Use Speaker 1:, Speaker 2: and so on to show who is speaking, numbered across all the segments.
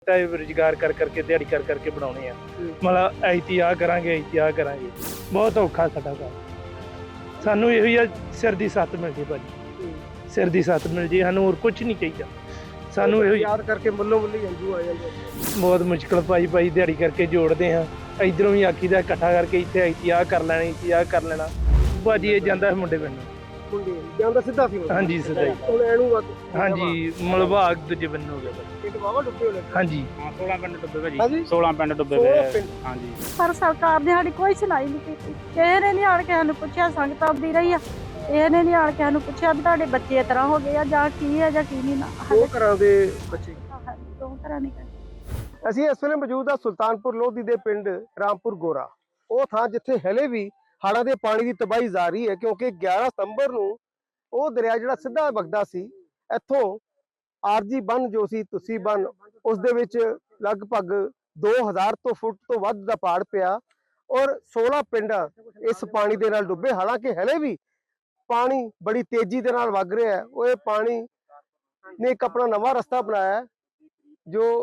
Speaker 1: ਰੁਜ਼ਗਾਰ ਕਰ ਕਰਕੇ ਦਿਹਾੜੀ ਕਰ ਕਰਕੇ ਬਣਾਉਣੇ ਆ। ਮਤਲਬ ਐਤੀ ਕਰਾਂਗੇ ਬਹੁਤ ਔਖਾ ਸਾਡਾ ਕੰਮ। ਸਾਨੂੰ ਇਹੋ ਹੀ ਆ, ਸਿਰ ਦੀ ਸੱਤ ਮਿਲ ਜੇ ਭਾਜੀ, ਸਿਰ ਦੀ ਸੱਤ ਮਿਲ ਜੇ, ਸਾਨੂੰ ਹੋਰ ਕੁਝ ਨਹੀਂ ਚਾਹੀਦਾ। ਸਾਨੂੰ ਇਹੋ
Speaker 2: ਯਾਦ ਕਰਕੇ ਮੁੱਲੋਂ ਮੁੱਲੀ ਹੰਝੂ ਆ ਜਾਂਦੇ।
Speaker 1: ਬਹੁਤ ਮੁਸ਼ਕਲ ਭਾਈ ਦਿਹਾੜੀ ਕਰਕੇ ਜੋੜਦੇ ਹਾਂ। ਇਧਰੋਂ ਵੀ ਆਖੀਦਾ ਇਕੱਠਾ ਕਰਕੇ ਇੱਥੇ ਐਤੀ ਕਰ ਲੈਣੀ, ਕਰ ਲੈਣਾ। ਭਾਜੀ ਇਹ ਜਾਂਦਾ ਮੁੰਡੇ ਪਿੰਡ
Speaker 2: ਜਾਂਦਾ ਸਿੱਧਾ ਸੀ।
Speaker 1: ਹਾਂਜੀ ਸਿੱਧਾ ਹੀ।
Speaker 2: ਹੁਣ ਇਹਨੂੰ
Speaker 1: ਹਾਂਜੀ ਮਲਬਾਗ ਦੂਜੇ ਬੰਨੇ ਹੋ ਗਿਆ ਭਾਜੀ।
Speaker 2: ਪਿੰਡ ਵਾਵਾ ਡੁੱਬੇ ਹੋਣੇ।
Speaker 1: ਹਾਂਜੀ
Speaker 3: 16 ਪਿੰਡ ਡੁੱਬੇ ਭਾਜੀ, 16 ਪਿੰਡ ਡੁੱਬੇ ਹੋਏ। ਹਾਂਜੀ
Speaker 4: ਪਰ ਸਰਕਾਰ ਨੇ ਸਾਡੀ ਕੋਈ ਸੁਣਾਈ ਨਹੀਂ ਕੀਤੀ। ਕਿਸੇ ਨੇ ਨਹੀਂ ਆਣ ਕੇ ਸਾਨੂੰ ਪੁੱਛਿਆ। ਸੰਗਤ ਆਉਂਦੀ ਰਹੀ ਆ, ਇਹਨੇ ਨਹੀਂ ਆਣ ਕੇ ਸਾਨੂੰ ਪੁੱਛਿਆ ਵੀ ਤੁਹਾਡੇ ਬੱਚੇ ਇਸ ਤਰ੍ਹਾਂ ਹੋ ਗਏ ਆ ਜਾਂ ਕੀ ਹੈ ਜਾਂ ਕੀ ਨਹੀਂ। ਨਾ
Speaker 2: ਦੋ ਘਰਾਂ ਦੇ ਬੱਚੇ,
Speaker 4: ਦੋ ਤਰ੍ਹਾਂ ਨਹੀਂ।
Speaker 2: ਅਸੀਂ ਇਸ ਵੇਲੇ ਮੌਜੂਦ ਆ ਸੁਲਤਾਨਪੁਰ ਲੋਧੀ ਦੇ ਪਿੰਡ ਰਾਮਪੁਰ ਗੋਰਾ। ਉਹ ਥਾਂ ਜਿੱਥੇ ਹਲੇ ਵੀ ਹੜ੍ਹਾਂ ਦੇ ਪਾਣੀ ਦੀ ਤਬਾਹੀ ਜਾਰੀ ਹੈ, ਕਿਉਂਕਿ 11 ਸਤੰਬਰ ਨੂੰ ਉਹ ਦਰਿਆ ਜਿਹੜਾ ਸਿੱਧਾ ਵਗਦਾ ਸੀ ਇੱਥੋਂ ਆਰਜੀ ਬੰਨ ਜੋ ਸੀ ਤੁਸੀਂ ਬੰਨ, ਉਸ ਦੇ ਵਿੱਚ ਲਗਭਗ 2000 ਤੋਂ ਫੁੱਟ ਤੋਂ ਵੱਧ ਦਾ ਪਾੜ ਪਿਆ ਔਰ 16 ਪਿੰਡ ਇਸ ਪਾਣੀ ਦੇ ਨਾਲ ਡੁੱਬੇ। ਹਾਲਾਂਕਿ ਹਲੇ ਵੀ ਪਾਣੀ ਬੜੀ ਤੇਜ਼ੀ ਦੇ ਨਾਲ ਵਗ ਰਿਹਾ ਹੈ। ਉਹ ਇਹ ਪਾਣੀ ਨੇ ਇੱਕ ਆਪਣਾ ਨਵਾਂ ਰਸਤਾ ਬਣਾਇਆ ਹੈ ਜੋ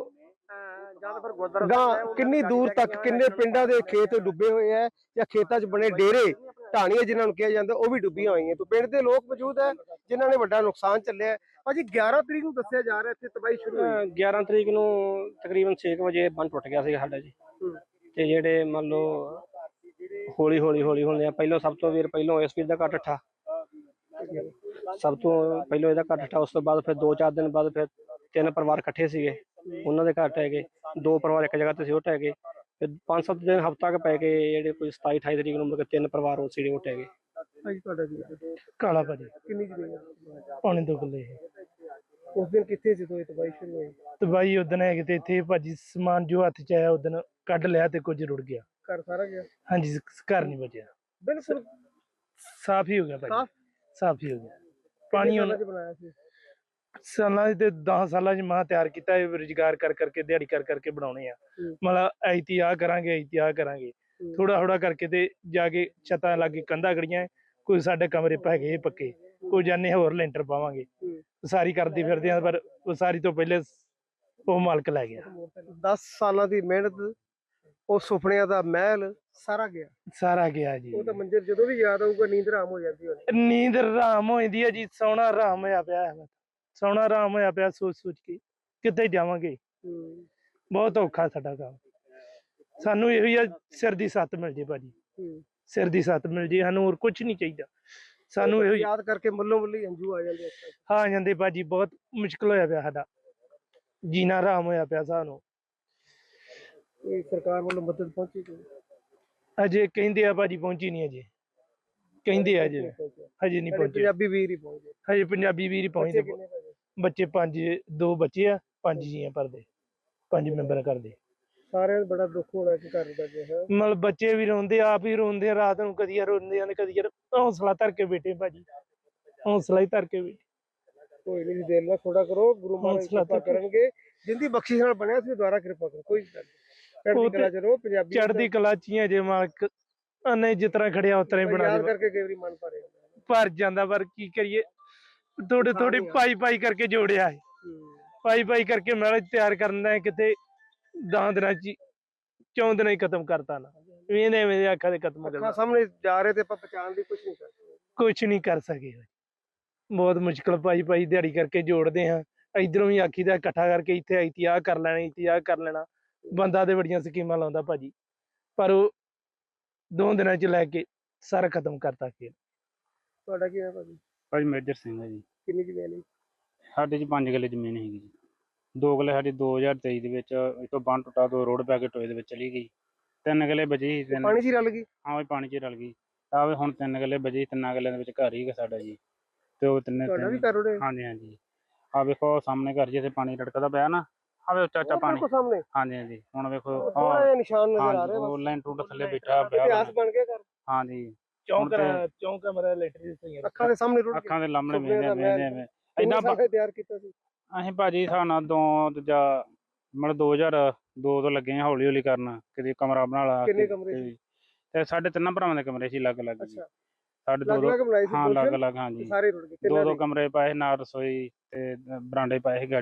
Speaker 2: ਕਿੰਨੀ ਦੂਰ ਤੱਕ ਕਿੰਨੇ ਪਿੰਡਾਂ ਦੇ ਖੇਤ ਡੁੱਬੇ ਹੋਏ ਹੈ ਜਾਂ ਖੇਤਾਂ 'ਚ ਬਣੇ ਡੇਰੇ ਢਾਣੀਆਂ ਜਿਨ੍ਹਾਂ ਨੂੰ ਕਿਹਾ ਜਾਂਦਾ ਉਹ ਵੀ ਡੁੱਬੀਆਂ ਹੋਈਆਂ। ਤੋਂ ਪਿੰਡ ਦੇ ਲੋਕ ਮੌਜੂਦ ਹੈ ਜਿਨ੍ਹਾਂ ਨੇ ਵੱਡਾ ਨੁਕਸਾਨ ਚੱਲਿਆ। ਭਾਜੀ 11 ਤਰੀਕ ਨੂੰ ਦੱਸਿਆ ਜਾ ਰਿਹਾ ਇੱਥੇ ਤਬਾਹੀ ਸ਼ੁਰੂ ਹੋਈ।
Speaker 3: 11 ਤਰੀਕ ਨੂੰ ਤਕਰੀਬਨ 6 ਵਜੇ ਬੰਨ ਟੁੱਟ ਗਿਆ ਸੀਗਾ ਸਾਡਾ ਜੀ। ਤੇ ਜਿਹੜੇ ਮੰਨ ਲਓ ਹੌਲੀ ਹੌਲੀ ਪਹਿਲਾਂ ਸਭ ਤੋਂ ਪਹਿਲਾਂ ਇਸ ਵੀਰ ਦਾ ਘੱਟ ਠਾ, ਸਭ ਤੋਂ ਪਹਿਲਾਂ ਇਹਦਾ ਘੱਟ ਠਾ। ਉਸ ਤੋਂ ਬਾਅਦ ਫਿਰ 2-4 ਦਿਨ ਬਾਅਦ ਫਿਰ 3 ਪਰਿਵਾਰ ਇਕੱਠੇ ਸੀਗੇ, ਉਹਨਾਂ ਦੇ ਘਰ ਟਹਿ ਗਏ। 2 ਪਰਿਵਾਰ ਇੱਕ ਜਗ੍ਹਾ ਤੇ ਸੀ, ਉਹ ਟਹਿ ਗਏ। ਫਿਰ 5-7 ਦਿਨ ਹਫ਼ਤਾ ਕੁ ਪੈ ਗਏ, ਜਿਹੜੇ ਕੋਈ 27-28 ਤਰੀਕ ਨੂੰ ਮਤਲਬ 3 ਪਰਿਵਾਰ ਉਹ ਸੀਗੇ ਉਹ ਟਹਿ ਗਏ।
Speaker 2: ਭਾਜੀ ਤੁਹਾਡਾ ਕੀ
Speaker 1: ਕਾਲਾ ਭਾਜੀ
Speaker 2: ਕਿੰਨੀ ਜ਼ਮੀਨ?
Speaker 1: ਪੌਣੇ 2 ਕਿੱਲੇ।
Speaker 2: ਉਸ ਦਿਨ ਕਿੱਥੇ ਸੀ ਤੋਂ ਤਬਾਹੀ ਸ਼ੁਰੂ ਹੋਈ?
Speaker 1: ਤਬਾਹੀ ਉਦਣ ਹੈਗੇ ਤੇ ਇੱਥੇ ਭਾਜੀ ਸਮਾਨ ਜੋ ਹੱਥ 'ਚ ਆਇਆ ਉਦਣ ਕੱਢ ਲਿਆ ਤੇ ਕੁਝ ਰੁੜ ਗਿਆ।
Speaker 2: ਘਰ ਸਾਰਾ ਗਿਆ?
Speaker 1: ਹਾਂਜੀ ਘਰ ਨਹੀਂ ਬਚਿਆ,
Speaker 2: ਬਿਲਕੁਲ
Speaker 1: ਸਾਫ਼ ਹੀ ਹੋ ਗਿਆ ਭਾਜੀ, ਸਾਫ਼ ਹੀ ਹੋ ਗਿਆ। ਪਾਣੀ
Speaker 2: ਉਹਨਾਂ ਬਣਾਇਆ ਸੀ
Speaker 1: ਸਾਲਾਂ ਦੇ 10 ਸਾਲਾਂ 'ਚ ਮੈਂ ਤਿਆਰ ਕੀਤਾ। ਇਹ ਰੁਜ਼ਗਾਰ ਕਰ ਕਰਕੇ ਦਿਹਾੜੀ ਕਰ ਕਰਕੇ ਬਣਾਉਣੇ ਆ। ਮਤਲਬ ਐਤੀ ਕਰਾਂਗੇ ਥੋੜਾ ਕਰਕੇ ਤੇ ਜਾ ਕੇ ਛੱਤਾਂ ਲਾਗੇ ਕੰਧਾਂ ਗੜੀਆਂ, ਕੋਈ ਸਾਡੇ ਕਮਰੇ ਪੈ ਗਏ ਪੱਕੇ, ਕੋਈ ਜਾਨੇ ਹੋਰ ਲੈਂਟਰ ਪਾਵਾਂਗੇ। ਸਾਰੀ ਕਰਦੇ ਫਿਰਦੇ ਆ ਪਰ ਉਸਾਰੀ ਤੋਂ ਪਹਿਲੇ ਉਹ ਮਾਲਕ ਲੈ ਗਿਆ।
Speaker 2: 10 ਸਾਲਾਂ ਦੀ ਮਿਹਨਤ, ਉਹ ਸੁਪਨਿਆਂ ਦਾ ਮਹਿਲ ਸਾਰਾ ਗਿਆ ਜੀ। ਉਹ ਤਾਂ ਮੰਜ਼ਰ ਜਦੋਂ ਵੀ ਯਾਦ ਆਊਗਾ ਨੀਂਦ ਹਰਾਮ ਹੋ ਜਾਂਦੀ ਹੋਣੀ।
Speaker 1: ਨੀਂਦ ਹਰਾਮ ਹੋ ਜਾਂਦੀ ਹੈ ਜੀ। ਸੌਣਾ ਹਰਾਮ ਹੋਇਆ ਪਿਆ ਸੋਚ ਕੇ ਕਿੱਥੇ ਜਾਵਾਂਗੇ। ਬਹੁਤ ਔਖਾ ਸਾਡਾ ਕੰਮ। ਸਾਨੂੰ ਇਹੋ ਹੀ ਆ, ਸਿਰ ਦੀ ਸੱਤ ਮਿਲ ਜੇ ਭਾਜੀ, ਸਿਰ ਦੀ ਸੱਤ ਮਿਲ ਜੇ, ਸਾਨੂੰ ਹੋਰ ਕੁਝ ਨਹੀਂ ਚਾਹੀਦਾ। ਸਾਨੂੰ ਇਹੋ
Speaker 2: ਯਾਦ ਕਰਕੇ ਮੁੱਲੋਂ ਮੁੱਲੀ ਹੰਝੂ ਆ ਜਾਂਦੇ।
Speaker 1: ਹਾਂ ਜਾਂਦੇ ਭਾਜੀ, ਬਹੁਤ ਮੁਸ਼ਕਿਲ ਹੋਇਆ ਪਿਆ ਸਾਡਾ, ਜੀਣਾ ਹਰਾਮ ਹੋਇਆ ਪਿਆ ਸਾਨੂੰ।
Speaker 2: ਸਰਕਾਰ ਵੱਲੋਂ ਮਦਦ ਪਹੁੰਚੀ?
Speaker 1: ਅਜੇ ਕਹਿੰਦੇ ਆ ਭਾਜੀ, ਪਹੁੰਚੀ ਨਹੀਂ ਅਜੇ, ਕਹਿੰਦੇ ਆ ਹਜੇ ਨਹੀਂ ਪਹੁੰਚੇ।
Speaker 2: ਪੰਜਾਬੀ ਵੀਰ ਹੀ ਪਹੁੰਚੇ
Speaker 1: ਹਜੇ, ਪੰਜਾਬੀ ਵੀਰ ਹੀ ਪਹੁੰਚਦੇ। ਬੱਚੇ 2 ਬੱਚੇ ਆ, 5 ਜੀ ਆ ਭਰਦੇ, 5 ਮੈਂਬਰ ਕਰਦੇ।
Speaker 2: ਸਾਰਿਆਂ ਨੂੰ ਬੜਾ ਦੁੱਖ ਹੋਣਾ ਕਿ ਘਰ ਦਾ ਜਿਹੜਾ
Speaker 1: ਮਤਲਬ ਬੱਚੇ ਵੀ ਰੋਂਦੇ, ਆਪ ਹੀ ਰੋਂਦੇ ਆ ਰਾਤ ਨੂੰ, ਕਦੀ ਰੋਂਦੇ ਆ ਕਦੀ। ਹੌਸਲਾ ਧਰ ਕੇ ਬੈਠੇ ਭਾਜੀ, ਹੌਸਲਾ ਹੀ ਧਰ ਕੇ ਬੈਠੇ।
Speaker 2: ਕੋਈ ਨਹੀਂ, ਦਿਲ ਨਾਲ ਥੋੜਾ ਕਰੋ, ਗੁਰੂ ਮਹਾਰਾਜ ਕਿਰਪਾ ਕਰਨਗੇ। ਜਿੰਦੀ ਬਖਸ਼ਿਸ਼ ਨਾਲ ਬਣਿਆ ਸੀ ਦੁਆਰਾ ਕਿਰਪਾ ਕਰੋ। ਕੋਈ
Speaker 1: ਚੜ੍ਹਦੀ ਕਲਾ 'ਚ ਹੀ ਜੇ ਮਾਲਕ ਨੇ ਜਿਸ ਤਰ੍ਹਾਂ ਖੜਿਆ ਉਸ ਤਰ੍ਹਾਂ ਹੀ ਬਣਾ ਦੇ
Speaker 2: ਕਰਕੇ। ਕਈ ਵਾਰੀ ਮਨ
Speaker 1: ਭਰ ਜਾਂਦਾ, ਪਰ ਕੀ ਕਰੀਏ, ਥੋੜੀ ਪਾਈ ਕਰਕੇ ਜੋੜਿਆ ਹੈ। ਪਾਈ ਕਰਕੇ ਮਹਿਲ ਤਿਆਰ ਕਰਨਾ ਹੈ, ਕਿਤੇ 10 ਦਿਨਾਂ 'ਚ 4 ਦਿਨਾਂ ਹੀ ਖਤਮ ਕਰਤਾ ਨਾ। ਇਹਨੇ ਮੇਰੇ ਅੱਖਾਂ ਦੇ ਖਤਮ ਕਰਨਾ
Speaker 2: ਸਾਹਮਣੇ ਜਾ ਰਹੇ ਤੇ ਆਪਾਂ ਪਛਾਣ ਦੀ
Speaker 1: ਕੁਛ ਨਹੀਂ ਕਰ ਸਕੇ। ਬਹੁਤ ਮੁਸ਼ਕਿਲ ਭਾਈ ਦਿਹਾੜੀ ਕਰਕੇ ਜੋੜਦੇ ਹਾਂ। ਇਧਰੋਂ ਵੀ ਆਖੀਦਾ ਇਕੱਠਾ ਕਰਕੇ ਇੱਥੇ ਐਤੀ ਕਰ ਲੈਣਾ। ਬੰਦਾ ਤੇ ਬੜੀਆਂ ਸਕੀਮਾਂ ਲਾਉਂਦਾ ਭਾਜੀ, ਪਰ ਉਹ 2 ਦਿਨਾਂ 'ਚ ਲੈ ਕੇ ਸਾਰਾ ਖਤਮ ਕਰਤਾ।
Speaker 2: ਤੁਹਾਡਾ ਕੀ ਹੈ
Speaker 3: ਭਾਜੀ? ਮੇਜਰ ਸਿੰਘ ਹੈ ਜੀ।
Speaker 2: ਕਿੰਨੀ ਜ਼ਮੀਨ ਹੈ
Speaker 3: ਸਾਡੇ 'ਚ 5 ਕਿੱਲੇ ਜ਼ਮੀਨ ਹੈਗੀ ਜੀ। 2 ਕਿੱਲੇ ਸਾਡੀ 2023 ਦੇ ਵਿੱਚ ਇੱਥੋਂ ਬੰਨ ਟੁੱਟਾ, 2 ਰੋਡ ਪੈ ਕੇ ਟੋਏ ਦੇ ਵਿੱਚ ਚਲੀ ਗਈ। 3 ਕਿੱਲੇ ਬਚੀ ਸੀ।
Speaker 2: ਪਾਣੀ 'ਚ ਹੀ ਰਲ ਗਈ?
Speaker 3: ਹਾਂ, ਪਾਣੀ 'ਚ ਹੀ ਰਲ ਗਈ। ਆਵੇ ਹੁਣ 3 ਕਿੱਲੇ ਬਚੀ, 3 ਕਿੱਲਿਆਂ ਦੇ ਵਿੱਚ ਘਰ ਹੀ ਸਾਡਾ ਜੀ। ਤੇ ਉਹ
Speaker 2: ਤੁਹਾਡਾ ਵੀ ਘਰ ਉੜੇ?
Speaker 3: ਹਾਂਜੀ। ਆ ਵੇਖੋ ਸਾਹਮਣੇ ਘਰ ਜਿੱਥੇ ਪਾਣੀ ਰੜਕਦਾ ਪਿਆ ਨਾ, ਆਵੇ ਚਾਚਾ ਪਾਣੀ
Speaker 2: ਸਾਹਮਣੇ।
Speaker 3: ਹਾਂਜੀ। ਹੁਣ ਵੇਖੋ
Speaker 2: ਨਿਸ਼ਾਨ ਨਜ਼ਰ ਆ ਰਿਹਾ।
Speaker 3: ਲਾਈਨ ਟੂਟ ਥੱਲੇ ਬੈਠਾ
Speaker 2: ਇਤਿਹਾਸ ਬਣ ਗਿਆ ਘਰ।
Speaker 3: ਹਾਂਜੀ,
Speaker 1: ਚੌਂਕ ਕਮਰਾ ਲੈਟਰੀ
Speaker 2: ਅੱਖਾਂ ਦੇ ਸਾਹਮਣੇ ਰੁੜ
Speaker 3: ਅੱਖਾਂ ਦੇ ਲਾਹਮਣੇ ਵੇਂਦੇ
Speaker 2: ਇੰਨਾ ਤਿਆਰ ਕੀਤਾ ਸੀ
Speaker 3: ਅਸੀਂ ਭਾਜੀ। ਸਾਨੂੰ ਦੂਜਾ ਮਤਲਬ 2002 ਤੋਂ ਲੱਗੇ ਹੌਲੀ ਕਰਨ, ਕਿਤੇ ਕਮਰਾ ਬਣਾ ਲਾ।
Speaker 2: ਕਿੰਨੇ ਕਮਰੇ ਸੀ?
Speaker 3: ਤੇ ਸਾਡੇ 3 ਭਰਾਵਾਂ ਦੇ ਕਮਰੇ ਸੀ ਅਲੱਗ-ਅਲੱਗ ਜੀ। ਸਾਡੇ 2
Speaker 2: ਹਾਂ,
Speaker 3: ਅਲੱਗ-ਅਲੱਗ। ਹਾਂਜੀ,
Speaker 2: ਸਾਰੇ ਰੁੜ ਗਏ।
Speaker 3: 2 ਕਮਰੇ ਪਾਏ ਨਾਲ ਰਸੋਈ ਤੇ ਬਰਾਂਡੇ ਪਾਏ ਸੀ ਗਾੜੀ।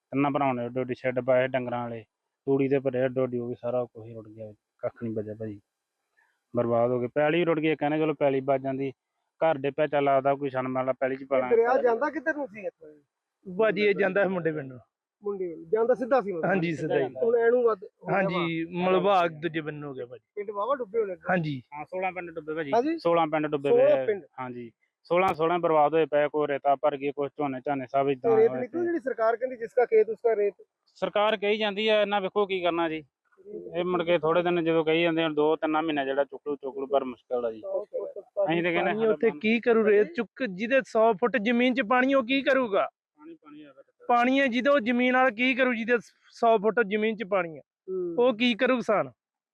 Speaker 5: ਤਿੰਨਾਂ ਭਰਾਵਾਂ ਨੇ ਏਡੋ ਏਡੀ ਸ਼ੈੱਡ ਪਾਏ ਡੰਗਰਾਂ ਵਾਲੇ, ਤੂੜੀ ਦੇ ਭਰੇ ਏਡੋ ਏਡੀ, ਉਹ ਵੀ ਸਾਰਾ ਕੁਛ ਹੀ ਰੁੜ ਗਿਆ, ਕੱਖ ਨਹੀਂ ਬਚਿਆ ਭਾਜੀ, ਬਰਬਾਦ ਹੋ ਗਏ। ਪੈਲੀ ਰੁੜ ਗਈ, ਕਹਿੰਦੇ ਚਲੋ ਪੈਲੀ ਬਚ ਜਾਂਦੀ, ਘਰ ਦੇ ਪਿਆ ਚੱਲ ਆਦਾ ਕੋਈ ਛਣ ਵਾਲਾ ਪੈਲੀ ਚ ਪਾਣਾ।
Speaker 2: ਦਰਿਆ ਜਾਂਦਾ ਕਿੱਧਰ ਨੂੰ ਸੀ ਇੱਥੋਂ?
Speaker 1: ਭਾਜੀ ਇਹ ਜਾਂਦਾ ਹੈ ਮੁੰਡੇ ਪਿੰਡ ਨੂੰ।
Speaker 2: ਮੁੰਡੇ ਜਾਂਦਾ ਸਿੱਧਾ ਸੀ ਮਤਲਬ?
Speaker 1: ਹਾਂਜੀ ਸਿੱਧਾ ਹੀ।
Speaker 2: ਹੁਣ ਐਨੂੰ ਵੱਧ ਹੋ ਗਿਆ ਵਾ।
Speaker 1: ਹਾਂਜੀ ਮਲਬਾਗ ਦੂਜੇ ਬੰਨੇ ਹੋ ਗਿਆ ਭਾਜੀ।
Speaker 2: ਪਿੰਡ ਵਾਵਾ ਡੁੱਬੇ ਹੋਣੇ।
Speaker 1: ਹਾਂਜੀ
Speaker 5: ਹਾਂ 16 ਪਿੰਡ ਡੁੱਬੇ ਭਾਜੀ,
Speaker 2: ਹਾਂਜੀ
Speaker 5: 16 ਪਿੰਡ ਡੁੱਬੇ
Speaker 2: 16
Speaker 5: ਪਏ।
Speaker 2: ਪਿੰਡ।
Speaker 5: ਹਾਂਜੀ 16 ਬਰਬਾਦ ਹੋਏ ਪਏ, ਕੋਈ ਰੇਤਾ ਭਰ ਗਈ, ਕੁਛ ਝੋਨੇ ਝਾਨੇ ਸਭ ਇਦਾਂ।
Speaker 2: ਰੇਤ ਨਿਕਲੂ ਜਿਹੜੀ ਸਰਕਾਰ ਕਹਿੰਦੀ ਜਿਸਕਾ ਖੇਤ ਉਸਕਾ ਰੇਤ।
Speaker 5: ਸਰਕਾਰ ਕਹੀ ਜਾਂਦੀ ਹੈ, ਇਹਨਾਂ ਵੇਖੋ ਕੀ ਕਰਨਾ ਜੀ। ਇਹ ਮੁੜ ਕੇ ਥੋੜੇ ਦਿਨ ਜਦੋਂ ਕਹੀ ਜਾਂਦੇ ਆ 2-3 ਮਹੀਨੇ ਜਿਹੜਾ ਚੁੱਕਲੂ ਪਰ ਮੁਸ਼ਕਲ ਆ ਜੀ। ਅਸੀਂ ਤੇ ਕਹਿੰਦੇ
Speaker 1: ਪਾਣੀ ਉੱਥੇ ਕੀ ਕਰੂ, ਰੇਤ ਚੁੱਕ ਜਿਹਦੇ 100 ਫੁੱਟ ਜ਼ਮੀਨ 'ਚ ਪਾਣੀ ਉਹ ਕੀ ਕਰੂਗਾ? ਪਾਣੀ ਹੈ ਜਿਹਦੇ ਉਹ ਜ਼ਮੀਨ ਨਾਲ ਕੀ ਕਰੂ, ਜਿਹਦੇ 100 ਫੁੱਟ ਜ਼ਮੀਨ 'ਚ ਪਾਣੀ ਹੈ ਉਹ ਕੀ ਕਰੂ? ਕਿਸਾਨ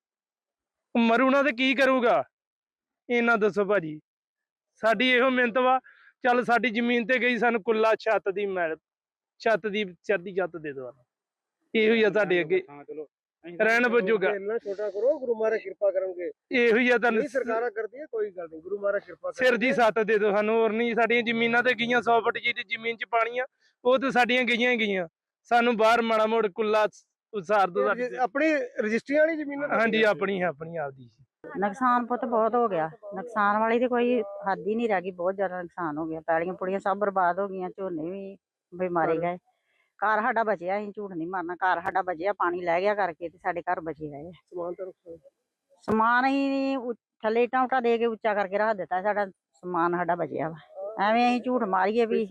Speaker 1: ਮਰੂ ਨਾ ਤੇ ਕੀ ਕਰੂਗਾ? ਇਹਨਾਂ ਦੱਸੋ ਭਾਜੀ। ਸਾਡੀ ਇਹੋ ਮਿਹਨਤ ਵਾ, ਚੱਲ ਸਾਡੀ ਜ਼ਮੀਨ ਤੇ ਗਈ, ਸਾਨੂੰ ਕੁੱਲਾ ਛੱਤ ਦੀ ਛੱਤ ਦੀ ਚੜ੍ਹਦੀ ਛੱਤ ਦੇ ਦੋ, ਇਹੋ ਹੀ ਆ ਸਾਡੇ ਅੱਗੇ ਰਹਿਣ ਵਜੂਗਾ।
Speaker 2: ਇੰਨਾ ਛੋਟਾ ਕਰੋ, ਗੁਰੂ ਮਹਾਰਾਜ ਕਿਰਪਾ ਕਰਨਗੇ।
Speaker 1: ਇਹੋ ਹੀ ਆ ਤੁਹਾਨੂੰ
Speaker 2: ਨਹੀਂ ਸਰਕਾਰਾਂ ਕਰਦੀਆਂ, ਕੋਈ ਗੱਲ ਨਹੀਂ, ਗੁਰੂ ਮਹਾਰਾਜ ਕਿਰਪਾ
Speaker 1: ਸਿਰ ਦੀ ਛੱਤ ਦੇ ਦੋ ਸਾਨੂੰ, ਹੋਰ ਨਹੀਂ। ਸਾਡੀਆਂ ਜ਼ਮੀਨਾਂ ਤੇ ਗਈਆਂ 100 ਫੁੱਟ ਜਿਹਦੀ ਜ਼ਮੀਨ 'ਚ ਪਾਣੀ ਆ ਉਹ ਤੇ ਸਾਡੀਆਂ ਗਈਆਂ ਹੀ ਗਈਆਂ, ਸਾਨੂੰ ਬਾਹਰ ਮਾੜਾ ਮੋੜ ਕੁੱਲਾ ਉਸਾਰ ਦੋ ਸਾਡੀ।
Speaker 2: ਆਪਣੀ ਰਜਿਸਟਰੀਆਂ ਵਾਲੀ ਜ਼ਮੀਨਾਂ?
Speaker 1: ਹਾਂਜੀ ਆਪਣੀ ਆਪਦੀ।
Speaker 4: ਨੁਕਸਾਨ ਪੁੱਤ ਬਹੁਤ ਹੋ ਗਿਆ, ਨੁਕਸਾਨ ਵਾਲੀ ਤੇ ਕੋਈ ਹੱਦ ਹੀ ਨਹੀਂ ਰਹਿ ਗਈ, ਬਹੁਤ ਜ਼ਿਆਦਾ ਨੁਕਸਾਨ ਹੋ ਗਿਆ। ਪੈਲੀਆਂ ਪੁੜੀਆਂ ਸਭ ਬਰਬਾਦ ਹੋ ਗਈਆਂ, ਝੋਨੇ ਵੀ ਮਾਰੇ ਗਏ। ਘਰ ਸਾਡਾ ਬਚਿਆ, ਅਸੀਂ ਝੂਠ ਨਹੀਂ ਮਾਰਨਾ, ਘਰ ਸਾਡਾ ਬਚਿਆ, ਪਾਣੀ ਲੈ ਗਿਆ ਕਰਕੇ ਤੇ ਸਾਡੇ ਘਰ ਬਚੇ ਰਹੇ। ਸਮਾਨ ਅਸੀਂ ਥੱਲੇ ਇੱਟਾਂ ਉੱਟਾਂ ਦੇ ਕੇ ਉੱਚਾ ਕਰਕੇ ਰੱਖ ਦਿੱਤਾ, ਸਾਡਾ ਸਮਾਨ ਸਾਡਾ ਬਚਿਆ ਵਾ। ਐਵੇਂ ਅਸੀਂ ਝੂਠ ਮਾਰੀਏ ਵੀ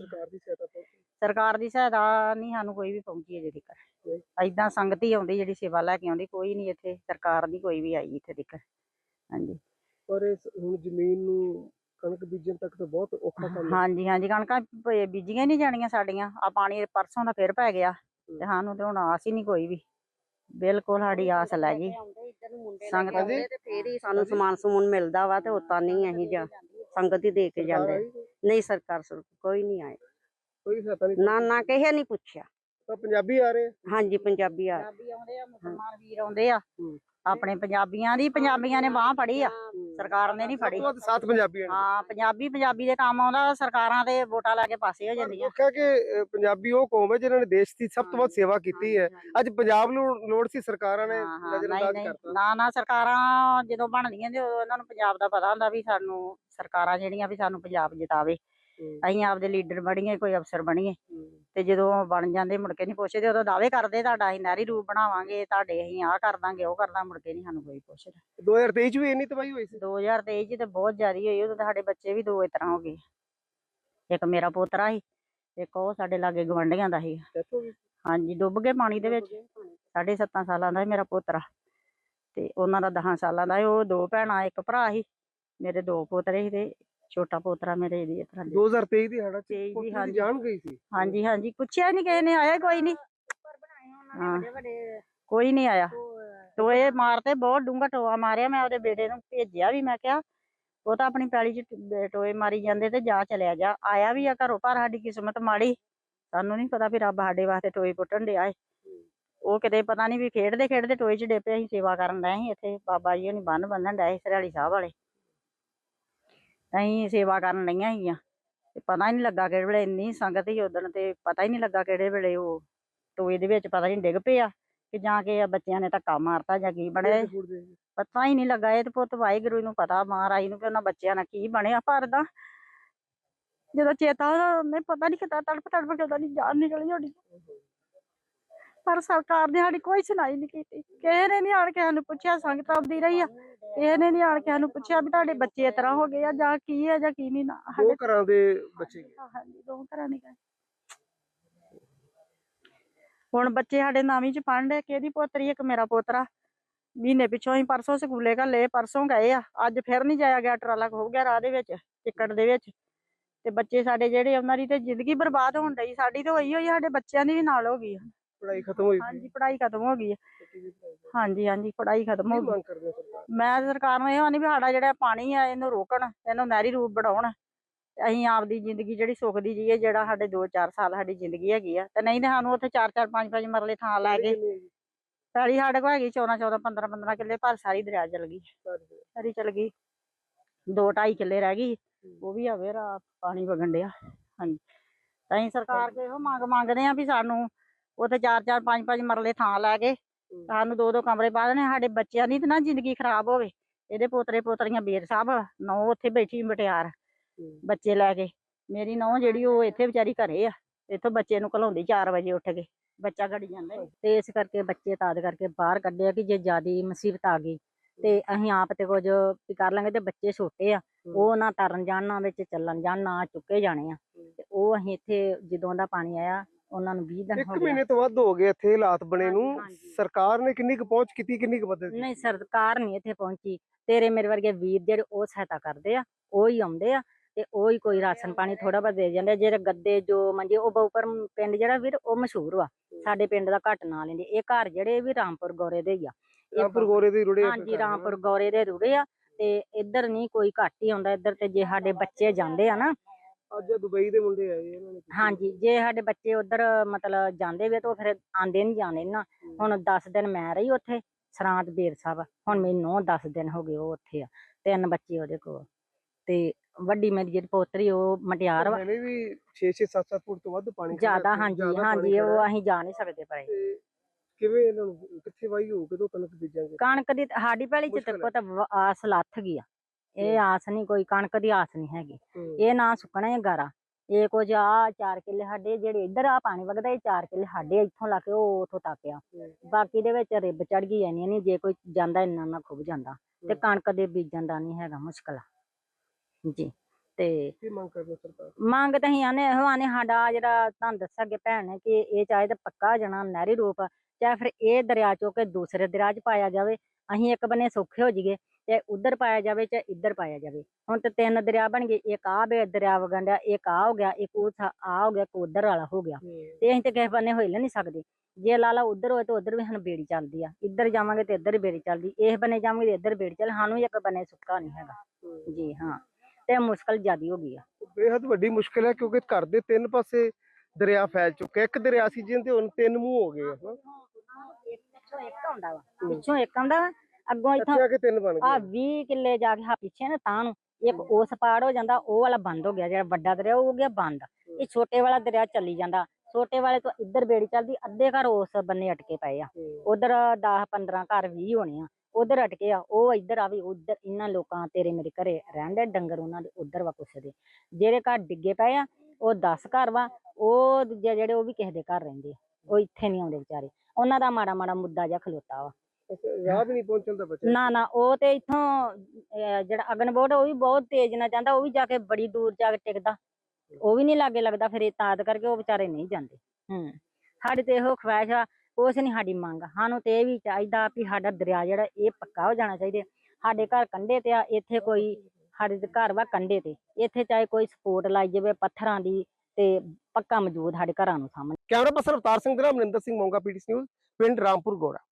Speaker 4: ਸਰਕਾਰ ਦੀ ਸਹਾਇਤਾ ਨਹੀਂ ਸਾਨੂੰ ਕੋਈ ਵੀ ਪਹੁੰਚੀ ਅਜੇ ਤੱਕ। ਏਦਾਂ ਸੰਗਤ ਹੀ ਆਉਂਦੀ ਜਿਹੜੀ ਸੇਵਾ ਲੈ ਕੇ ਆਉਂਦੀ, ਕੋਈ ਨਹੀਂ ਇੱਥੇ ਸਰਕਾਰ ਦੀ ਕੋਈ ਵੀ ਆਈ ਇੱਥੇ ਤੱਕ। ਹਾਂਜੀ
Speaker 2: ਪਰ ਹੁਣ ਜ਼ਮੀਨ ਨੂੰ ਕਣਕ ਬੀਜਣ ਤੱਕ ਤਾਂ ਬਹੁਤ ਔਖਾ ਕੰਮ ਹੈ।
Speaker 4: ਹਾਂਜੀ ਕਣਕਾਂ ਬੀਜੀਆਂ ਨਹੀਂ ਜਾਣੀਆਂ ਸਾਡੀਆਂ। ਆ ਪਾਣੀ ਪਰਸੋਂ ਦਾ ਫਿਰ ਪੈ ਗਿਆ ਤੇ ਸਾਨੂੰ ਤੇ ਹੁਣ ਆਸ ਹੀ ਨਹੀਂ ਕੋਈ ਵੀ, ਬਿਲਕੁਲ ਸਾਡੀ ਆਸ ਲੈ ਗਈ। ਸੰਗਤ ਆਉਂਦੇ ਤੇ ਫੇਰ ਹੀ ਸਾਨੂੰ ਸਮਾਨ ਸਮੂਨ ਮਿਲਦਾ ਵਾ, ਤੇ ਉਤਾਂ ਨਹੀਂ ਅਸੀਂ ਜਾਂ ਸੰਗਤ ਹੀ ਦੇ ਕੇ ਜਾਂਦੇ। ਨਹੀਂ ਸਰਕਾਰ ਕੋਈ ਨਹੀਂ ਆਏ,
Speaker 2: ਕੋਈ ਸਹਾਇਤਾ ਨਹੀਂ।
Speaker 4: ਨਾ ਕਿਸੇ ਨਹੀਂ ਪੁੱਛਿਆ।
Speaker 2: ਤਾਂ ਪੰਜਾਬੀ ਆ ਰਹੇ?
Speaker 4: ਹਾਂਜੀ ਪੰਜਾਬੀ ਆਉਂਦੇ ਆ, ਮੁਸਲਮਾਨ ਵੀਰ ਆਉਂਦੇ ਆ ਆਪਣੇ ਪੰਜਾਬੀਆਂ ਨੇ ਬਾਂਹ ਫੜੀ ਆ, ਸਰਕਾਰ ਨੇ ਨਹੀਂ ਫੜੀ।
Speaker 2: 7 ਪੰਜਾਬੀ
Speaker 4: ਹਾਂ ਪੰਜਾਬੀ ਦੇ ਕੰਮ ਆਉਂਦਾ, ਸਰਕਾਰਾਂ ਦੇ ਵੋਟਾਂ ਲੈ ਕੇ ਪਾਸੇ ਹੋ ਜਾਂਦੀਆਂ।
Speaker 2: ਕਿਹਾ ਕਿ ਪੰਜਾਬੀ ਉਹ ਕੌਮ ਹੈ ਜਿਨ੍ਹਾਂ ਨੇ ਦੇਸ਼ ਦੀ ਸਭ ਤੋਂ ਵੱਧ ਸੇਵਾ ਕੀਤੀ ਹੈ। ਅੱਜ ਪੰਜਾਬ ਨੂੰ ਲੋੜ ਸੀ, ਸਰਕਾਰਾਂ ਨੇ ਨਜ਼ਰਅੰਦਾਜ਼ ਕਰਤਾ।
Speaker 4: ਨਾ ਸਰਕਾਰਾਂ ਜਦੋਂ ਬਣਦੀਆਂ ਤੇ ਉਦੋਂ ਇਹਨਾਂ ਨੂੰ ਪੰਜਾਬ ਦਾ ਪਤਾ ਹੁੰਦਾ ਵੀ ਸਾਨੂੰ ਸਰਕਾਰਾਂ ਜਿਹੜੀਆਂ ਵੀ ਸਾਨੂੰ ਪੰਜਾਬ ਜਿਤਾਵੇ, ਅਸੀਂ ਆਪਦੇ ਲੀਡਰ ਬਣੀਏ, ਕੋਈ ਅਫਸਰ ਬਣੀਏ। ਤੇ ਜਦੋਂ ਬਣ ਜਾਂਦੇ ਮੁੜ ਕੇ ਨਹੀਂ ਪੁੱਛਦੇ, ਉਦੋਂ ਦਾਅਵੇ ਕਰਦੇ ਤੁਹਾਡਾ ਅਸੀਂ ਨਹਿਰੀ ਰੂਪ ਬਣਾਵਾਂਗੇ, ਤੁਹਾਡੇ ਅਸੀਂ ਆਹ ਕਰ ਦਾਂਗੇ ਉਹ ਕਰਦਾ, ਮੁੜ ਕੇ ਨਹੀਂ ਸਾਨੂੰ ਕੋਈ ਪੁੱਛਦਾ।
Speaker 2: 2023 ਚ ਵੀ ਇੰਨੀ ਤਬਾਹੀ ਹੋਈ ਸੀ?
Speaker 4: 2023 ਚ ਤੇ ਬਹੁਤ ਜ਼ਿਆਦਾ ਹੋਈ। ਉਦੋਂ ਸਾਡੇ ਬੱਚੇ ਵੀ 2 ਇਸ ਤਰ੍ਹਾਂ ਹੋ ਗਏ। ਇੱਕ ਮੇਰਾ ਪੋਤਰਾ ਸੀ, ਇੱਕ ਉਹ ਸਾਡੇ ਲਾਗੇ ਗਵਾਂਢੀਆਂ ਦਾ ਸੀ। ਹਾਂਜੀ ਡੁੱਬ ਗਏ ਪਾਣੀ ਦੇ ਵਿੱਚ। 7.5 ਸਾਲਾਂ ਦਾ ਸੀ ਮੇਰਾ ਪੋਤਰਾ, ਤੇ ਉਹਨਾਂ ਦਾ 10 ਸਾਲਾਂ ਦਾ। ਉਹ 2 ਭੈਣਾਂ ਇੱਕ ਭਰਾ ਸੀ, ਮੇਰੇ 2 ਪੋਤਰੇ ਸੀ ਤੇ ਛੋਟਾ ਪੋਤਰਾ ਮੇਰੇ ਇਹਦੀ ਇਸ ਤਰ੍ਹਾਂ।
Speaker 2: 2023 ਦੀ ਹੜਾ ਚ ਜਾਨ ਗਈ ਸੀ? ਹਾਂਜੀ
Speaker 4: ਪੁੱਛਿਆ ਨਹੀਂ ਕਿਸੇ ਨੇ, ਆਇਆ ਕੋਈ ਨਹੀਂ। ਹਾਂ ਕੋਈ ਨਹੀਂ ਆਇਆ। ਟੋਏ ਮਾਰਤੇ, ਬਹੁਤ ਡੂੰਘਾ ਟੋਆ ਮਾਰਿਆ। ਮੈਂ ਉਹਦੇ ਬੇਟੇ ਨੂੰ ਭੇਜਿਆ ਵੀ, ਮੈਂ ਕਿਹਾ ਉਹ ਤਾਂ ਆਪਣੀ ਪੈਲੀ ਚ ਟੋਏ ਮਾਰੀ ਜਾਂਦੇ ਤੇ ਜਾ ਚਲਿਆ ਜਾ। ਆਇਆ ਵੀ ਆ ਘਰੋਂ, ਪਰ ਸਾਡੀ ਕਿਸਮਤ ਮਾੜੀ, ਸਾਨੂੰ ਨਹੀਂ ਪਤਾ ਵੀ ਰੱਬ ਸਾਡੇ ਵਾਸਤੇ ਟੋਏ ਪੁੱਟਣ ਡਿਆ ਏ। ਉਹ ਕਿਤੇ ਪਤਾ ਨਹੀਂ ਵੀ ਖੇਡਦੇ ਟੋਏ ਚ ਡੇਪੇ। ਅਸੀਂ ਸੇਵਾ ਕਰਨ ਡਏ ਸੀ ਇੱਥੇ, ਬਾਬਾ ਜੀ ਹੋਣੀ ਬੰਨ ਬੰਨਣ ਡਏ ਸੀ ਸਰਿਆਲੀ ਸਾਹਿਬ ਵਾਲੇ, ਅਸੀਂ ਸੇਵਾ ਕਰਨ ਡਈਆਂ ਸੀਗੀਆਂ ਤੇ ਪਤਾ ਹੀ ਨਹੀਂ ਲੱਗਾ ਕਿਹੜੇ ਵੇਲੇ ਇੰਨੀ ਸੰਗਤ ਸੀ ਉਦਣ, ਤੇ ਪਤਾ ਹੀ ਨਹੀਂ ਲੱਗਾ ਕਿਹੜੇ ਵੇਲੇ ਉਹ ਟੋਏ ਦੇ ਵਿੱਚ ਪਤਾ ਨਹੀਂ ਡਿੱਗ ਪਿਆ ਕਿ ਜਾਂ ਕਿ ਬੱਚਿਆਂ ਨੇ ਧੱਕਾ ਮਾਰਤਾ ਜਾਂ ਕੀ ਬਣਿਆ, ਪਤਾ ਹੀ ਨਹੀਂ ਲੱਗਾ। ਇਹ ਤੇ ਪੁੱਤ ਵਾਹਿਗੁਰੂ ਨੂੰ ਪਤਾ, ਮਹਾਰਾਜ ਨੂੰ, ਕਿ ਉਹਨਾਂ ਬੱਚਿਆਂ ਨਾਲ ਕੀ ਬਣਿਆ। ਪਰ ਦਾ ਜਦੋਂ ਚੇਤਾ ਉਹਨੇ ਪਤਾ ਨਹੀਂ ਕਿੱਦਾਂ ਤੜਪ ਕੇ ਉਹਦਾ ਨਹੀਂ ਜਾਨ ਨਿਕਲੀ ਸਾਡੀ। ਪਰ ਸਰਕਾਰ ਨੇ ਸਾਡੀ ਕੋਈ ਸੁਣਾਈ ਨਹੀਂ ਕੀਤੀ, ਕਿਸੇ ਨੇ ਨਹੀਂ ਆਣ ਕੇ ਸਾਨੂੰ ਪੁੱਛਿਆ। ਸੰਗਤ ਆਉਂਦੀ ਰਹੀ ਆ, ਕਿਸੇ ਨੇ ਨਹੀਂ ਆਣ ਕੇ ਸਾਨੂੰ ਪੁੱਛਿਆ ਵੀ ਤੁਹਾਡੇ ਬੱਚੇ ਇਸ ਤਰ੍ਹਾਂ ਹੋ ਗਏ ਆ ਜਾਂ ਕੀ ਹੈ ਜਾਂ ਕੀ ਨਹੀਂ। ਨਾ
Speaker 2: 2 ਘਰਾਂ ਦੇ ਬੱਚੇ?
Speaker 4: ਹਾਂਜੀ 2 ਘਰਾਂ ਦੇ ਗਏ। ਹੁਣ ਬੱਚੇ ਸਾਡੇ 9ਵੀਂ ਚ ਪੜ੍ਹਨ ਡੇ, ਕਿਹਦੀ ਪੋਤਰੀ ਇੱਕ ਮੇਰਾ ਪੋਤਰਾ। ਮਹੀਨੇ ਪਿੱਛੋਂ ਹੀ ਪਰਸੋਂ ਸਕੂਲੇ ਘੱਲੇ, ਪਰਸੋਂ ਗਏ ਆ, ਅੱਜ ਫਿਰ ਨਹੀਂ ਜਾਇਆ ਗਿਆ। ਟਰਾਲਾ ਖੋ ਗਿਆ ਰਾਹ ਦੇ ਵਿੱਚ, ਚਿੱਕੜ ਦੇ ਵਿੱਚ। ਤੇ ਬੱਚੇ ਸਾਡੇ ਜਿਹੜੇ, ਉਹਨਾਂ ਦੀ ਤੇ ਜ਼ਿੰਦਗੀ ਬਰਬਾਦ ਹੋਣ ਡਈ। ਸਾਡੀ ਤਾਂ ਹੋਈ ਸਾਡੇ ਬੱਚਿਆਂ ਦੀ ਵੀ ਨਾਲ ਹੋ ਗਈ।
Speaker 2: ਪੜ੍ਹਾਈ ਖਤਮ ਹੋਈ?
Speaker 4: ਹਾਂਜੀ ਪੜ੍ਹਾਈ ਖਤਮ ਹੋ ਗਈ ਹੈ। ਹਾਂਜੀ ਪੜ੍ਹਾਈ ਖਤਮ ਹੋ ਗਈ। ਮੈਂ ਸਰਕਾਰ ਨੂੰ ਇਹ ਆਨੀ ਵੀ ਸਾਡਾ ਜਿਹੜਾ ਪਾਣੀ ਆ ਇਹਨੂੰ ਰੋਕਣ, ਇਹਨੂੰ ਨਹਿਰੀ ਰੂਪ ਬਣਾਉਣ। ਅਸੀਂ ਆਪਦੀ ਜ਼ਿੰਦਗੀ ਜਿਹੜੀ ਸੁੱਖ ਦੀ ਜੀਏ, ਜਿਹੜਾ ਸਾਡੇ 2-4 ਸਾਲ ਸਾਡੀ ਜ਼ਿੰਦਗੀ ਹੈਗੀ ਆ। ਤੇ ਨਹੀਂ ਤੇ ਸਾਨੂੰ ਉੱਥੇ 4-4 5-5 ਮਰਲੇ ਥਾਂ ਲੈ ਕੇ ਪੈਲੀ ਸਾਡੇ ਕੋਲ ਹੈਗੀ 14-14 15-15 ਕਿੱਲੇ, ਪਰ ਸਾਰੀ ਦਰਿਆ ਚਲ ਗਈ, ਸਾਰੀ ਚਲ ਗਈ। 2-2.5 ਕਿੱਲੇ ਰਹਿ ਗਈ, ਉਹ ਵੀ ਆ ਫੇਰ ਪਾਣੀ ਵਗਣ ਡਿਆ। ਹਾਂਜੀ ਤਾਂ ਅਸੀਂ ਸਰਕਾਰ ਕੋਲ ਇਹੋ ਮੰਗਦੇ ਆ ਵੀ ਸਾਨੂੰ ਉੱਥੇ 4-4 5-5 ਮਰਲੇ ਥਾਂ ਲੈ ਕੇ ਸਾਨੂੰ 2-2 ਕਮਰੇ ਪਾ ਦੇਣੇ। ਸਾਡੇ ਬੱਚਿਆਂ ਦੀ ਤਾਂ ਨਾ ਜ਼ਿੰਦਗੀ ਖਰਾਬ ਹੋਵੇ। ਇਹਦੇ ਪੋਤਰੇ ਪੋਤਰੀਆਂ ਬੇਰ ਸਾਹਿਬ ਨੌ ਉੱਥੇ ਬੈਠੀ ਮਟਿਆਰ ਬੱਚੇ ਲੈ ਕੇ। ਮੇਰੀ ਨੌ ਜਿਹੜੀ ਉਹ ਇੱਥੇ ਵਿਚਾਰੀ ਘਰੇ ਆ, ਇੱਥੋਂ ਬੱਚੇ ਨੂੰ ਘਲਾਉਂਦੀ 4 ਵਜੇ ਉੱਠ ਕੇ, ਬੱਚਾ ਘੜੀ ਜਾਂਦਾ ਈ। ਤੇ ਇਸ ਕਰਕੇ ਬੱਚੇ ਤਾਦ ਕਰਕੇ ਬਾਹਰ ਕੱਢਿਆ ਕਿ ਜੇ ਜ਼ਿਆਦੀ ਮੁਸੀਬਤ ਆ ਗਈ ਤੇ ਅਸੀਂ ਆਪ ਤੇ ਕੁਝ ਵੀ ਕਰ ਲਾਂਗੇ। ਤੇ ਬੱਚੇ ਛੋਟੇ ਆ, ਉਹ ਨਾ ਤਰਨ ਜਾਣ ਨਾ ਵਿੱਚ ਚੱਲਣ ਜਾਣ, ਨਾ ਚੁੱਕੇ ਜਾਣੇ ਆ। ਤੇ ਉਹ ਅਸੀਂ ਇੱਥੇ ਜਦੋਂ ਦਾ ਪਾਣੀ ਆਇਆ ਉਹਨਾਂ ਨੂੰ 20 ਦਿਨ
Speaker 2: 1
Speaker 4: ਹੋ ਗਏ।
Speaker 2: ਮਹੀਨੇ ਤੋਂ ਵੱਧ ਹੋ ਗਏ ਇੱਥੇ ਹਾਲਾਤ ਬਣੇ ਨੂੰ।
Speaker 4: ਹਾਂਜੀ।
Speaker 2: ਸਰਕਾਰ ਨੇ ਕਿੰਨੀ ਕੁ ਪਹੁੰਚ ਕੀਤੀ, ਕਿੰਨੀ ਕੁ ਮਦਦ ਕੀਤੀ?
Speaker 4: ਨਹੀਂ, ਸਰਕਾਰ ਨਹੀਂ ਇੱਥੇ ਪਹੁੰਚੀ। ਤੇਰੇ ਮੇਰੇ ਵਰਗੇ ਵੀਰ ਜਿਹੜੇ ਉਹ ਸਹਾਇਤਾ ਕਰਦੇ ਆ, ਉਹ ਹੀ ਆਉਂਦੇ ਆ ਤੇ ਉਹ ਹੀ ਕੋਈ ਰਾਸ਼ਨ ਪਾਣੀ ਥੋੜਾ ਬਹੁਤ ਦੇ ਜਾਂਦੇ ਆ। ਜਿਹੜੇ ਗੱਦੇ ਜੋ ਮੰਜੇ ਉਹ ਬਹੁਪਰ ਪਿੰਡ ਜਿਹੜਾ ਵੀਰ ਉਹ ਮਸ਼ਹੂਰ ਵਾ, ਸਾਡੇ ਪਿੰਡ ਦਾ ਘੱਟ ਨਾਂ ਲੈਂਦੇ। ਇਹ ਘਰ ਜਿਹੜੇ ਵੀ ਰਾਮਪੁਰ ਗੋਰੇ ਦੇ ਹੀ ਆ।
Speaker 2: ਰਾਮਪੁਰ ਗੋਰੇ ਦੇ ਰੁੜੇ?
Speaker 4: ਹਾਂਜੀ, ਰਾਮਪੁਰ ਗੋਰੇ ਦੇ ਰੁੜੇ ਆ। ਤੇ ਇੱਧਰ ਨਹੀਂ ਕੋਈ ਘੱਟ ਹੀ ਆਉਂਦਾ ਇੱਧਰ। ਤੇ ਜੇ ਸਾਡੇ ਬੱਚੇ ਜਾਂਦੇ ਆ ਨਾ,
Speaker 2: ਅੱਜ ਦੁਬਈ ਦੇ ਮੁੰਡੇ ਆਏ ਇਹਨਾਂ ਨੇ।
Speaker 4: ਹਾਂਜੀ, ਜੇ ਸਾਡੇ ਬੱਚੇ ਉਧਰ ਮਤਲਬ ਜਾਂਦੇ ਵੇ ਤਾਂ ਉਹ ਫਿਰ ਆਂਦੇ ਨਹੀਂ ਜਾਣੇ ਨਾ। ਹੁਣ 10 ਦਿਨ ਮੈਂ ਰਹੀ ਉੱਥੇ ਸਰਾਂਤ ਬੇਰ ਸਾਹਿਬ। ਹੁਣ ਮੈਨੂੰ 10 ਦਿਨ ਹੋ ਗਏ ਉਹ ਉੱਥੇ ਆ, 3 ਬੱਚੇ ਉਹਦੇ ਕੋਲ। ਤੇ ਵੱਡੀ ਮੇਰੀ ਜਿਹੜੀ ਪੋਤਰੀ ਉਹ ਮਟਿਆਰ ਵਾ।
Speaker 2: ਹਲੇ ਵੀ 6-6 7-7 ਫੁੱਟ ਤੋਂ ਵੱਧ ਪਾਣੀ
Speaker 4: ਜ਼ਿਆਦਾ, ਹਾਂਜੀ ਹਾਂਜੀ, ਉਹ ਅਸੀਂ ਜਾ ਨਹੀਂ ਸਕਦੇ ਪਏ।
Speaker 2: ਤੇ ਕਿਵੇਂ ਇਹਨਾਂ ਨੂੰ ਕਿੱਥੇ ਵਾਹੀ ਹੋਊ, ਕਦੋਂ ਕਣਕ ਬੀਜਾਂਗੇ?
Speaker 4: ਕਣਕ ਦੀ ਸਾਡੀ ਪਹਿਲੀ ਚ ਤੇ ਪੁੱਤ ਆਸ ਲੱਥ ਗਈ ਆ। ਇਹ ਆਸ ਨਹੀਂ, ਕੋਈ ਕਣਕ ਦੀ ਆਸ ਨਹੀਂ ਹੈਗੀ। ਇਹ ਨਾ ਸੁੱਕਣਾ ਹੀ ਗਾਰਾ। ਇਹ ਕੁਝ ਆ 4 ਕਿੱਲੇ ਸਾਡੇ ਜਿਹੜੇ ਇੱਧਰ ਆ ਪਾਣੀ ਵਗਦਾ, ਇਹ 4 ਕਿੱਲੇ ਸਾਡੇ ਇੱਥੋਂ ਲਾ ਕੇ ਉਹ ਉੱਥੋਂ ਤੱਕ ਆ। ਬਾਕੀ ਦੇ ਵਿੱਚ ਰਿੱਬ ਚੜ ਗਈ ਐਨੀ ਨਹੀਂ, ਜੇ ਕੋਈ ਜਾਂਦਾ ਇੰਨਾ ਖੁੱਬ ਜਾਂਦਾ। ਤੇ ਕਣਕ ਦੇ ਬੀਜਣ ਦਾ ਨਹੀਂ ਹੈਗਾ, ਮੁਸ਼ਕਲ ਆ ਜੀ। ਤੇ
Speaker 2: ਕੀ ਮੰਗ ਕਰਦੇ ਸਰਕਾਰ?
Speaker 4: ਮੰਗ ਤਾਂ ਅਸੀਂ ਆਨੇ ਇਹੋ ਆਨੇ, ਸਾਡਾ ਜਿਹੜਾ ਤੁਹਾਨੂੰ ਦੱਸਿਆ ਅੱਗੇ ਭੈਣ ਨੇ ਕਿ ਇਹ ਚਾਹੇ ਤਾਂ ਪੱਕਾ ਹੋ ਜਾਣਾ ਨਹਿਰੀ ਰੂਪ, ਚਾਹੇ ਫਿਰ ਇਹ ਦਰਿਆ ਚੋਂ ਕੇ ਦੂਸਰੇ ਦਰਿਆ 'ਚ ਪਾਇਆ ਜਾਵੇ। ਅਸੀਂ ਇੱਕ ਬੰਨੇ ਸੌਖੇ ਹੋ ਜਾਈਏ, ਚਾਹੇ ਉੱਧਰ ਪਾਇਆ ਜਾਵੇ ਚਾਹੇ ਇੱਧਰ ਪਾਇਆ ਜਾਵੇ। ਹੁਣ ਤੇ 3 ਦਰਿਆ ਬਣ ਗਏ, ਇੱਕ ਆਹ ਬੇ ਦਰਿਆ ਵਗਣ ਡਿਆ, ਇੱਕ ਆਹ ਹੋ ਗਿਆ, ਇੱਕ ਆਹ ਹੋ ਗਿਆ, ਇੱਕ ਉੱਧਰ ਵਾਲਾ ਹੋ ਗਿਆ। ਤੇ ਅਸੀਂ ਤੇ ਕਿਸੇ ਬੰਨੇ ਹਿੱਲ ਨਹੀਂ ਸਕਦੇ। ਜੇ ਲਾਲਾ ਉੱਧਰ ਹੋਏ ਤਾਂ ਉੱਧਰ ਵੀ ਸਾਨੂੰ ਬੇੜੀ ਚੱਲਦੀ ਆ, ਇੱਧਰ ਜਾਵਾਂਗੇ ਤੇ ਇੱਧਰ ਬੇੜੀ ਚੱਲਦੀ, ਇਸ ਬੰਨੇ ਜਾਵਾਂਗੇ ਤੇ ਇੱਧਰ ਬੇੜੀ ਚੱਲ, ਸਾਨੂੰ ਇੱਕ ਬੰਨੇ ਸੁੱਕਾ ਨਹੀਂ ਹੈਗਾ ਜੀ। ਹਾਂ, ਤੇ ਮੁਸ਼ਕਲ ਜ਼ਿਆਦੀ ਹੋ ਗਈ ਆ।
Speaker 2: ਬੇਹੱਦ ਵੱਡੀ ਮੁਸ਼ਕਲ ਹੈ ਕਿਉਂਕਿ ਘਰ ਦੇ 3 ਪਾਸੇ ਦਰਿਆ ਫੈਲ ਚੁੱਕੇ। ਇੱਕ ਦਰਿਆ ਸੀ ਜਿਹਦੇ ਹੁਣ 3 ਮੂੰਹ ਹੋ ਗਏ ਆ।
Speaker 4: ਪਿੱਛੋਂ ਇੱਕ ਆਉਂਦਾ ਵਾ, ਪਿੱਛੋਂ ਇੱਕ ਆਉਂਦਾ ਵਾ, ਅੱਗੋਂ ਇੱਥੋਂ
Speaker 2: ਇੱਥੇ ਆ ਕੇ 3 ਬਣ
Speaker 4: ਆ
Speaker 2: ਗਏ।
Speaker 4: 20 ਕਿੱਲੇ ਜਾ ਕੇ ਹਾਂ ਪਿੱਛੇ ਨਾ ਤਾਂ ਨੂੰ ਇੱਕ ਉਸ ਪਾੜ ਹੋ ਜਾਂਦਾ, ਉਹ ਵਾਲਾ ਬੰਦ ਹੋ ਗਿਆ। ਜਿਹੜਾ ਵੱਡਾ ਦਰਿਆ ਉਹ ਹੋ ਗਿਆ ਬੰਦ। ਇਹ ਛੋਟੇ ਵਾਲਾ ਦਰਿਆ ਚੱਲੀ ਜਾਂਦਾ। ਛੋਟੇ ਵਾਲੇ ਤੋਂ ਇੱਧਰ ਬੇੜੀ ਚੱਲਦੀ, ਅੱਧੇ ਘਰ ਉਸ ਬੰਨੇ ਅਟਕੇ ਪਏ ਆ। ਉਧਰ 10-15 ਘਰ 20 ਹੋਣੇ ਆ ਉਧਰ ਅਟਕੇ ਆ। ਉਹ ਇੱਧਰ ਆਵੇ, ਉਧਰ ਇਹਨਾਂ ਲੋਕਾਂ ਤੇਰੇ ਮੇਰੇ ਘਰੇ ਰਹਿੰਦੇ ਡੰਗਰ, ਉਹਨਾਂ ਦੇ ਉਧਰ ਵਾ ਕੁਛ ਦੇ ਜਿਹੜੇ ਘਰ ਡਿੱਗੇ ਪਏ ਆ। ਉਹ 10 ਘਰ ਵਾ, ਉਹ ਦੂਜੇ ਜਿਹੜੇ ਉਹ ਵੀ ਕਿਸੇ ਦੇ ਘਰ ਰਹਿੰਦੇ ਆ, ਉਹ ਇੱਥੇ ਨਹੀਂ ਆਉਂਦੇ ਵਿਚਾਰੇ। ਉਹਨਾਂ ਦਾ ਮਾੜਾ ਮਾੜਾ ਮੁੱਦਾ ਜਿਹਾ ਖਲੋਤਾ ਵਾ।
Speaker 2: ਰਾਹ ਵੀ ਨਹੀਂ ਪਹੁੰਚਣ ਦਾ ਬੱਚਾ।
Speaker 4: ਨਾ ਉਹ ਤੇ ਇੱਥੋਂ ਜਿਹੜਾ ਅਗਨਬੋਰਡ ਉਹ ਵੀ ਬਹੁਤ ਤੇਜ਼ ਨਾਲ ਜਾਂਦਾ, ਉਹ ਵੀ ਜਾ ਕੇ ਬੜੀ ਦੂਰ ਜਾ ਕੇ ਟਿਕਦਾ, ਉਹ ਵੀ ਨਹੀਂ ਲਾਗੇ ਲੱਗਦਾ। ਫਿਰ ਇਹ ਤਾਦ ਕਰਕੇ ਉਹ ਵਿਚਾਰੇ ਨਹੀਂ ਜਾਂਦੇ। ਸਾਡੀ ਤੇ ਇਹੋ ਖਵਾਇਸ਼ ਆ, ਕੁਛ ਨਹੀਂ ਸਾਡੀ ਮੰਗ। ਸਾਨੂੰ ਤੇ ਇਹ ਵੀ ਚਾਹੀਦਾ ਵੀ ਸਾਡਾ ਦਰਿਆ ਜਿਹੜਾ ਇਹ ਪੱਕਾ ਹੋ ਜਾਣਾ ਚਾਹੀਦਾ। ਸਾਡੇ ਘਰ ਕੰਢੇ ਤੇ ਆ, ਇੱਥੇ ਕੋਈ ਸਾਡੇ ਘਰ ਵਾ ਕੰਢੇ ਤੇ, ਇੱਥੇ ਚਾਹੇ ਕੋਈ ਸਪੋਰਟ ਲਾਈ ਜਾਵੇ ਪੱਥਰਾਂ ਦੀ, ਤੇ ਪੱਕਾ ਮੌਜੂਦ ਸਾਡੇ ਘਰਾਂ ਨੂੰ ਸਾਹਮਣੇ।
Speaker 2: ਕੈਮਰਾ ਪਰਸਨ ਅਵਤਾਰ ਸਿੰਘ ਦੇ ਨਾਲ ਮਨਿੰਦਰ ਸਿੰਘ ਮੋਂਗਾ, ਪੀਟੀਸੀ ਨਿਊਜ਼, ਪਿੰਡ ਰਾਮਪੁਰ ਗੋਰਾ।